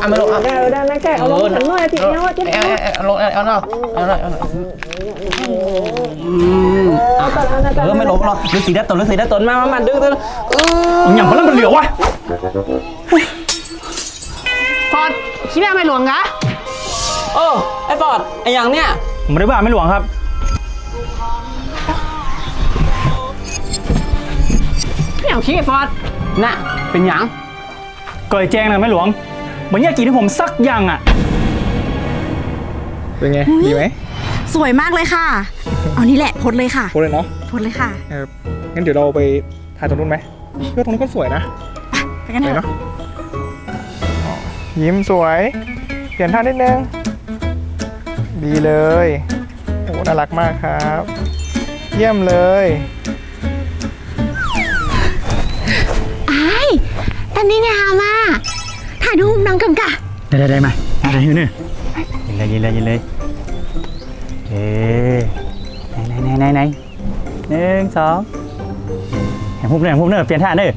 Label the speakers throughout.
Speaker 1: ไม่ลงเอา
Speaker 2: ได้นะแกเอาลงฉันหน่อยทีเนาะ
Speaker 1: เอาลงเอาหน่อยไม่ลงหรอกฤาษีได้ตนมาดื้อ
Speaker 3: อย่างเพราะมันเหลือวะ
Speaker 2: ฟอดคิดว่าไม่หลวงกะ
Speaker 1: ไอ้ฟอร์ดไอ้อย่างเนี้ย
Speaker 3: ผมไม่ได้ว่าไม่หลวงครับ
Speaker 2: ไม่เอาคิดไอ้ฟอด
Speaker 1: น่ะเป็นอย่าง
Speaker 3: ก่อยแจ้งนะไม่หลวงเหมือนอยากกินให้ผมสักอย่างอ่ะ
Speaker 4: เป็นไงดีไหม
Speaker 5: สวยมากเลยค่ะเอานี่แหละพดเลยค่ะ
Speaker 4: พดเลยเนาะ
Speaker 5: พดเลยค่ะ
Speaker 4: งั้นเดี๋ยวเราไปถ่ายตรงนู้นไหมเพื่อตรงนู้นก็สวยนะ
Speaker 5: ไปกันเถอะ
Speaker 4: ยิ้มสวยเปลี่ยนท่านิดนึงดีเลยโอ้น่ารักมากครับเยี่ยมเลย
Speaker 5: ตอนนี้งามอ่ะถ่ายรูปน้องกำกะ
Speaker 3: ได้มาอะไรเนี่ยยินเลยเอ๊ไหน1 2แห่งพุ่มเนอเปลี่ยนท่าเนอ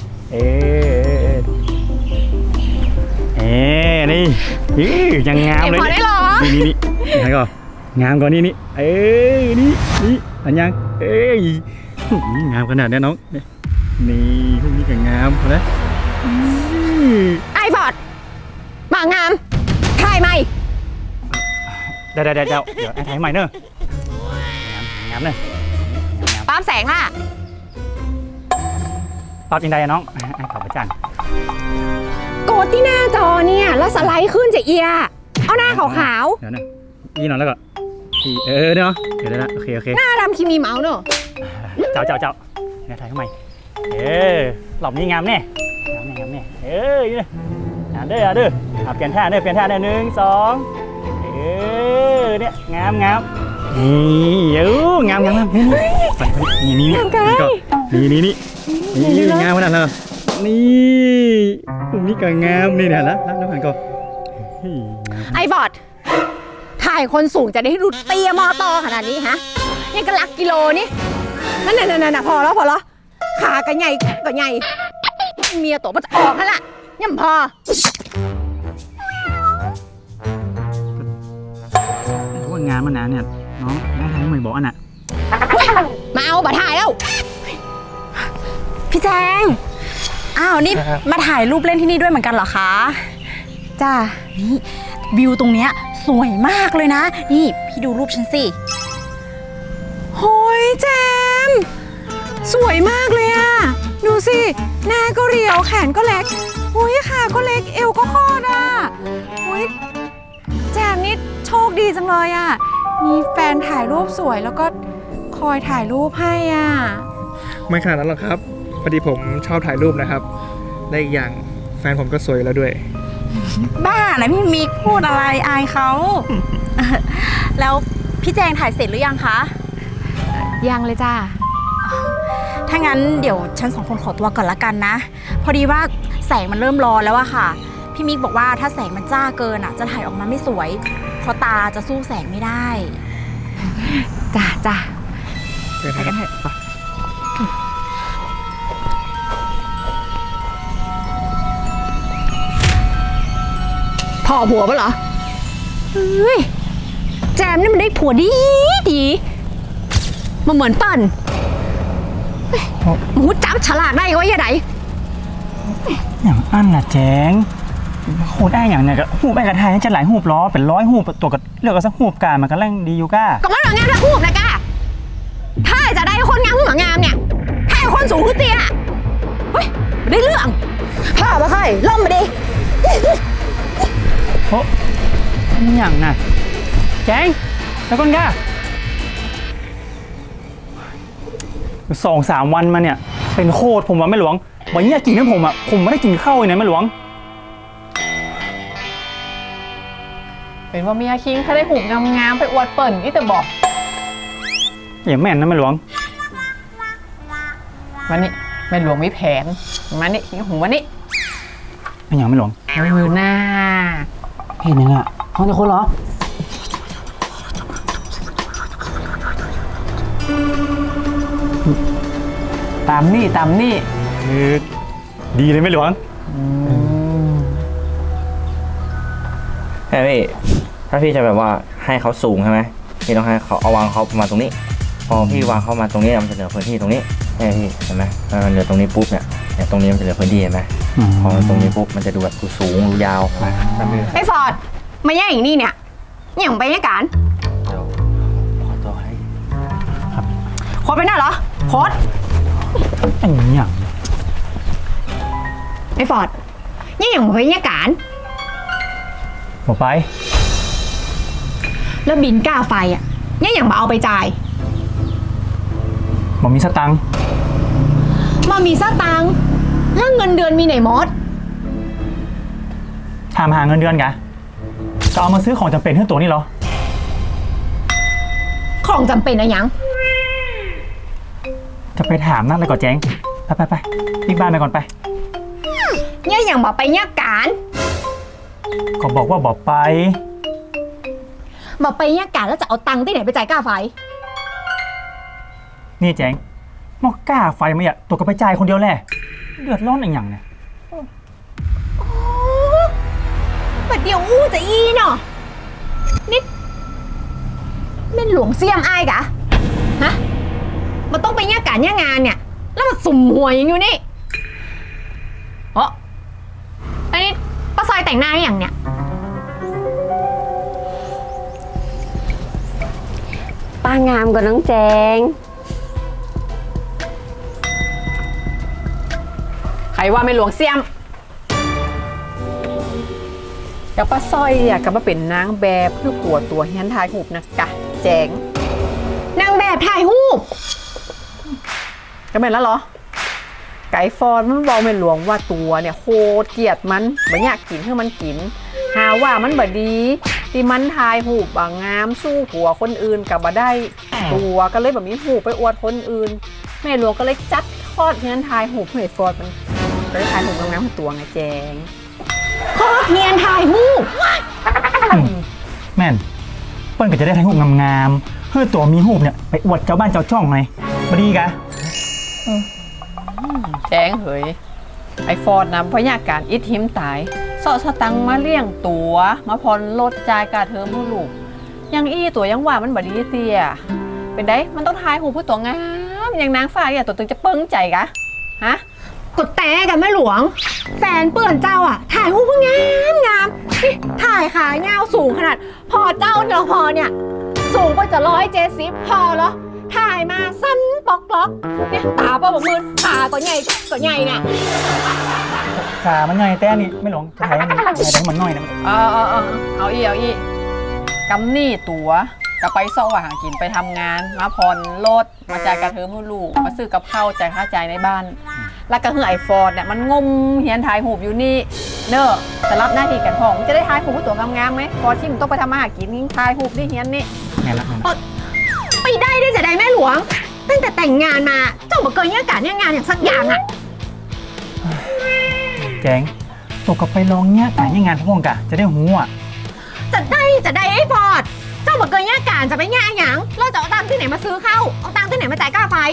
Speaker 3: นี่ยังงามเลย
Speaker 5: พอได้หรอ
Speaker 3: นี่ไหนก่อนงามกว่านี่นี่อันยังงามขนาดนี้น้องนี่พวกนี้ก็งามนะ
Speaker 5: ไอ้บอดมางามถ่ายใหม่
Speaker 3: เดี๋ยวไอ้ถ่ายใหม่เนอะงามเนอะ
Speaker 5: ปั๊มแสงค่ะ
Speaker 3: ปั๊บยังไงน้องไอ้ขอบพระจันทร์
Speaker 5: กดที่หน้าจอเนี่ยแล้วสไลด์ขึ้นจะเอียเอาหน้าขาว
Speaker 3: ๆเดี๋ยวนะยี่หน่อยแล้วก็เนาะเดี๋ยวนะโอเค
Speaker 5: หน้าดำคิมีเมาส์เนอะ
Speaker 3: เจ้าเนี่ยถ่ายทำไมหลบนี่งามแน่นี่งามเด้อเปลี่ยนท่า1 2เนี่ยงามนี่งามนี่งามขนาดนั้นนี่ตรงนี้ก็งามนี่เนี่ยแล้วผ่านก็
Speaker 5: ไอ้บอดถ่ายคนสูงจะได้ดูเตี้ยมอตอขนาดนี้ฮะยังกระลักกิโลนี่นั่นพอแล้วขาก็ใหญ่เมียตัวมันจะออกแล้วล่ะยังพอ
Speaker 3: ว่างานมานานเนี่ยน้องได้ทางไม่บอกอันน่ะ
Speaker 5: มาเอาบัตรถ่ายแล้วพี่แจงนี่มาถ่ายรูปเล่นที่นี่ด้วยเหมือนกันเหรอคะจ้านี่วิวตรงเนี้ยสวยมากเลยนะนี่พี่ดูรูปฉันสิโหยแจมสวยมากเลยอะดูสิหน้าก็เรียวแขนก็เล็กโอ้ยขาก็เล็กเอวก็คอดอ่ะโอ้ยแจมนี่โชคดีจังเลยอะมีแฟนถ่ายรูปสวยแล้วก็คอยถ่ายรูปให้อ่ะ
Speaker 4: ไม่ขนาดนั้นหรอกครับพอดีผมชอบถ่ายรูปนะครับได้อีกอย่างแฟนผมก็สวยแล้วด้วย
Speaker 5: บ้านะพี่มิกพูดอะไรอายเขาแล้วพี่แจงถ่ายเสร็จหรือยังคะยังเลยจ้าถ้างั้นเดี๋ยวฉัน2 คนขอตัวก่อนละกันนะพอดีว่าแสงมันเริ่มร้อนแล้วอะค่ะพี่มิกบอกว่าถ้าแสงมันจ้าเกินอะจะถ่ายออกมาไม่สวยเพราะตาจะสู้แสงไม่ได้จ้าไปกันเถอะพ่อผัวปะเหรอแจมนี่มันได้ผัวดีมาเหมือนปั่นหมูจับฉลาดได้ก็ว่าอย่างไร
Speaker 3: อย่างอันน่ะแจงโหได้อย่างเนี่ยก็หูไปกระทายจะหลายหูล้อเป็น100หูตัวก็เลือกเอาสักหูกามันก็แรงดีอยู่ก้า
Speaker 5: ก็มันหลังงานถ้าหูนะก้าถ้าจะได้คนงามหัวงามเนี่ยถ้าคนสูงขึ้นเตี้ยเฮ้ยได้เรื่องพ่อมาค่อยล่มมาดิ
Speaker 3: โอ้อย่างน่ะแจงแล้วก้นก้า2-3 วันมาเนี่ยเป็นโคตรผมว่าไม่หลวงวันนี้กินให้ผมไม่ได้กินข้าวเลยนะไม่หลวง
Speaker 2: เป็นว่าเมียคิงถ้าได้หูงามๆไปอวดเปิ่นนี่แต่บอก
Speaker 3: อย่าแม่นนะไม่หลวง
Speaker 2: วันนี้แม่หลวงมีแผนมานี่คิงหูวันนี้
Speaker 3: เป็นอย่างไม่หลวง
Speaker 2: หน้า
Speaker 3: เห็นยังอ่ะห้องจะคนเหรอ
Speaker 2: ตามนี่
Speaker 3: ดีเลยไม่หลวง
Speaker 6: ช่พี่ถ้าพี่จะแบบว่าให้เขาสูงใช่ไหมพี่ต้องให้เขาเอาวางเขาประมาณตรงนี้ พอพี่วางเขามาตรงนี้มันจะเหลือพื้นที่ตรงนี้ใช่พี่เห็นไหมถ้ามันเหลือตรงนี้ปุ๊บเนี่ยตรงนี้มันจะเหลือพื้นที่เห็นไหมพอตรงนี้ปุ๊บมันจะดูแบบดูสูงดูยาว
Speaker 5: ไอ้ฟอร์ดมาแย่งอย่างนี้เนี่ยอย่างไปแย่งกัน
Speaker 6: เดี๋ยวขอตัวให้
Speaker 5: โคตรไปหน้าเหรอโคตร
Speaker 3: ไอ้อย่าง
Speaker 5: ไอ้ฟอร์ดนี่อย่างไปแย่งกัน
Speaker 3: บอกไป
Speaker 5: แล้วบินก้าไฟอ่ะนี่อย่างมาเอาไปจ่าย
Speaker 3: บอกมีสตังค์
Speaker 5: มามีสตังค์แล้วเงินเดือนมีไหนหมด
Speaker 3: ถามหาเงินเดือนกะจะเอามาซื้อของจำเป็นให้ตัวนี่เหรอ
Speaker 5: ของจำเป็นอะยัง
Speaker 3: จะไปถามนั่นเลยก่อนแจ้งไปรีบบ้านไปก่อนไป
Speaker 5: เนี่ยอย่างมาไปเนี่ยการ
Speaker 3: ก็บอกว่าบอกไป
Speaker 5: มาไปเนี่ยการแล้วจะเอาตังค์ที่ไหนไปจ่ายค่าไฟ
Speaker 3: นี่แจ้งมอกก้าไฟมาอ่ะตัวก็ไปจ่ายคนเดียวแหละเดือดร้อนอย่างเนี่ย
Speaker 5: บัดเดียวอู้จะอีเนาะนิดแม่นหลวงเสี่ยมอ้ายกะฮะมันต้องไปเนี่ยการเนี่ยงานเนี่ย แล้วมาสุ่มหัวอย่างอยู่นี่อันนี้ป้าซอยแต่งหน้าอย่างเนี่ย
Speaker 7: ป้างามกว่าน้องแจง
Speaker 2: ใครว่าไม่หลวงเสียมกับป้าสร้อยเนี่ยก็มาเป็นนางแบบเพื่อปัวตัวเฮียนทายหูบนะกะแจง
Speaker 5: นางแบบถ่ายรูป
Speaker 2: ก็เป็นแล้วเหรอ ไก่ฟอนมันบอกไม่หลวงว่าตัวเนี่ยโคตรเกลียดมันบ่อยากกินให้มันกิน หาว่ามันบ่ดีที่มันทายหูบบางงามสู้ผัวคนอื่นกับบ่ได้ตัวก็เลยแบบมีหูไปอวดคนอื่นแม่หลวงก็เลยจัดทอดเฮียนทายหูบให้ฟอนมันก็เลยทายหูบงามๆของตัวไงแจง
Speaker 5: โคตรเนียนถ่ายรูป
Speaker 3: แม่นเปิ้ลก็จะได้ถ่ายรูปงามๆเพื่อตัวมีรูปเนี่ยไปอวดเจ้าบ้านเจ้าช่องไงมาดีกะ
Speaker 2: แจ้งเหยไอฟอร์ดนำพยาการอิทหิมตายเสาะสตังมาเลี้ยงตัวมาพรลดจ่ายกาเทอมผู้ลูกยังอี้ตัวยังว่ามันบดีเตียเป็นได้มันต้องทายหูผู้ตัวงามอย่างนางฟ้าเนี่ยตัวตึงจะเปิ้งใจกะฮะ
Speaker 5: กดแต่กันแม่หลวง แฟนเปื่อนเจ้าอ่ะ ถ่ายรูปก็งามงามนี่ถ่ายขายาวสูงขนาด พอเจ้าเนาะพอเนี่ย สูงกว่าจะ170พอเหรอถ่ายมาสั้นปอกล็อกเนี่ยตาป้าบอกมือขาก็ใหญ่เนี่ย
Speaker 3: ขามันใหญ่แต่นี่ไม่หลงจะถ่ายให้มันน้อยนะ
Speaker 2: เอาอีกำนี่ตัวก็ไปซ่อว่าหากินไปทำงานมาพรลดมาจ่ายกาเทอมผู้ลูกมาซื้อกับข้าวจ่ายค่าจ่ายในบ้าน แล้วก็คือไอฟอร์ดเนี่ยมันงมเฮียนถ่ายหูบอยู่นี่เนอะจะรับหน้าที่กันพ่อมันจะได้ถ่ายหูบตัวงามๆไหมพอที่มันต้องไปทำมาหากินยิ่งถ่ายหูบที่เฮียนนี่
Speaker 3: แม่นละ
Speaker 5: ไปได้จะได้แม่หลวง ตั้งแต่แต่งงานมาเจ้าบอกเกินเนี่ยการเนี่ยงานอย่างสักอย่างอ่ะ
Speaker 3: แจ้งตกกับไปลองเนี่ยแต่ยังงานพวกกะจะได้หูอ่ะ
Speaker 5: จะได้ไอ้ฟอร์ดเจ้าบอกเกินเนี่ยการจะไปเนี่ยหยังเราจะเอาตังค์ที่ไหนมาซื้อเข้าเอาตังค์ที่ไหนมาจ่ายค่าไฟ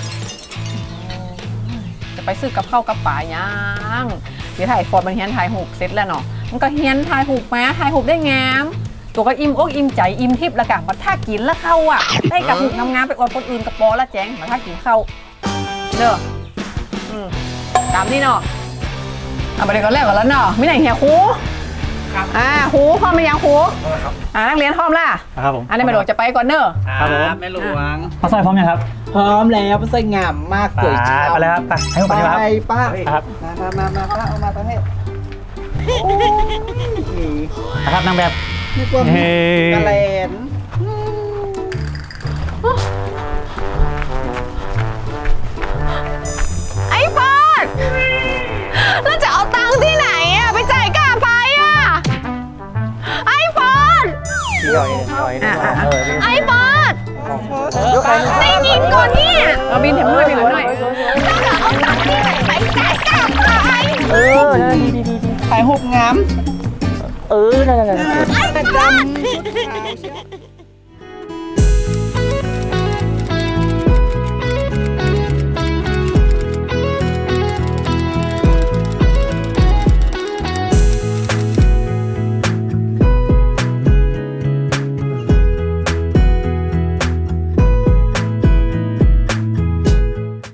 Speaker 2: จะไปซื้อกับข้าวกับป่ายังเดี๋ยวถ่ายฟอร์ดมันเฮียนถ่ายหูบเสร็จแล้วเนาะมันก็เฮียนถ่ายหูบมาถ่ายหูบได้งามตัวก็อิ่มอกอิ่มใจอิ่มทิพย์แล้วกันมาถ้ากินแล้วเข้าอ่ะได้กับหูบงามๆไปอวดคนอื่นกับปอละแจ้งมาถ้ากินเข้าเนอะตามนี่เนาะเอาไปเดี๋ยวก็แรกก่อนแล้วเนาะไม่ไหนเฮียครูครูพร้อมไหมยังครูนักเรียนพร้อมล่ะ
Speaker 3: ครับผม
Speaker 2: อันนี้แม่หลวงจะไปก่อนเนอะ
Speaker 3: ครับผม
Speaker 1: แม่หลวง
Speaker 3: ป้าสร้อยพร้อมยังครับ
Speaker 1: พร้อมแล้วสวยงามมากสวยจริง
Speaker 3: ไปแล้วครับไปให้ผมไปดีกว่าครับ
Speaker 1: ป้า
Speaker 3: ครับ
Speaker 1: มาป้าเอามาประเทศ
Speaker 3: นะครับนางแบบ
Speaker 1: นึกว่า
Speaker 3: เฮ้
Speaker 1: กระเลน
Speaker 5: ไอ้ฟอร์ดแล้วจะเอาตังค์ที่ไหนอะไปจ่ายค่าไฟอะไอ้ฟอร์ดไอ้ฟอร์ดได้ยินก่อนเนี่ย
Speaker 2: เอาบินเห็นหน่อยบินหน่อย
Speaker 5: แล้วจะเอาตังค์ที่ไหนไปจ่ายค่าไฟ
Speaker 1: ถ่ายรูปงาม
Speaker 5: ไอ้ฟอร์ด